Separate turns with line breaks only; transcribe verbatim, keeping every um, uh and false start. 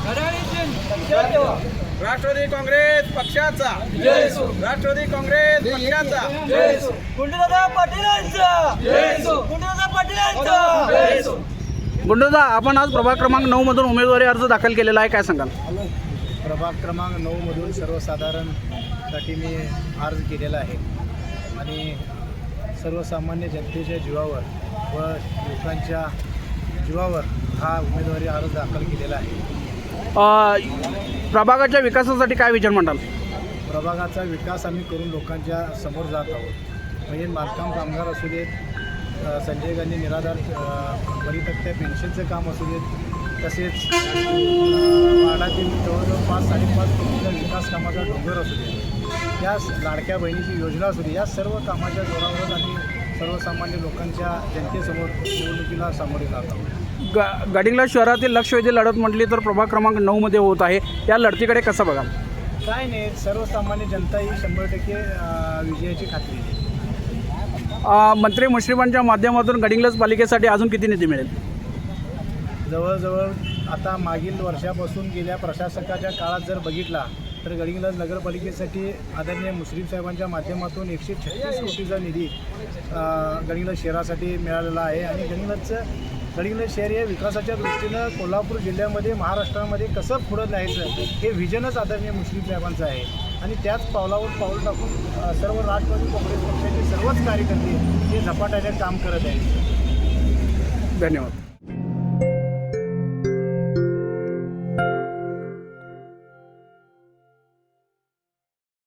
राष्ट्रवादी काँग्रेस पक्षाचा राष्ट्रवादी काँग्रेस पक्षाचा
गुंडदादा पाटीलांचा गुंडदादा पाटीलांचा
गुंडदा, आपण आज प्रभाग क्रमांक नऊ मधून उमेदवारी अर्ज दाखल केलेला आहे, काय सांगाल?
प्रभाग क्रमांक नऊ मधून सर्वसाधारणसाठी मी अर्ज केलेला आहे आणि सर्वसामान्य जनतेच्या जीवावर व लोकांच्या जीवावर हा उमेदवारी अर्ज दाखल केलेला आहे.
अ, प्रभागाच्या विकासासाठी काय विचार मांडाल?
प्रभागाचा विकास आम्ही करून लोकांच्या समोर जात आहोत. म्हणजे बांधकाम कामगार असू देत, अ, संजय गांधी निराधार परितक्त्या पेन्शनचं काम असू देत, तसेच वाडातील जवळजवळ पाच साडेपाच कोटीचा विकास कामाचा डोंगर असू दे, या लाडक्या बहिणीची योजना असू दे, या सर्व कामाच्या जोरावरच आम्ही सर्वसामान्य लोकांच्या जनतेसमोर निवडणुकीला सामोरे जात आहोत.
ग गडिंग्लज शहरातील लक्षवेधी लढत म्हटली तर प्रभाग क्रमांक नऊमध्ये होत आहे, या लढतीकडे कसं बघाल?
काय नाही, सर्वसामान्य जनता ही शंभर टक्के अ, विजयाची खात्री आहे.
अ, मंत्री मुश्रीफांच्या माध्यमातून गडिंग्लज पालिकेसाठी अजून किती निधी मिळेल?
जवळजवळ आता मागील वर्षापासून गेल्या प्रशासकाच्या काळात जर बघितला तर गडिंग्लज नगरपालिकेसाठी आदरणीय मुश्रीफ साहेबांच्या माध्यमातून एकशे छत्तीस कोटीचा निधी गडिंग्लज शहरासाठी मिळालेला आहे. आणि गडिंग्लजचं गडिंग्लज शहर या विकासाच्या दृष्टीनं कोल्हापूर जिल्ह्यामध्ये महाराष्ट्रामध्ये कसं पुढं न्यायचं हे व्हिजनच आदरणीय मुश्रीफ साहेबांचं आहे. आणि त्याच पावलावर पाऊल टाकून सर्व राष्ट्रवादी काँग्रेस पक्षाचे सर्वच कार्यकर्ते हे झपाट्याने काम करत आहेत.
धन्यवाद.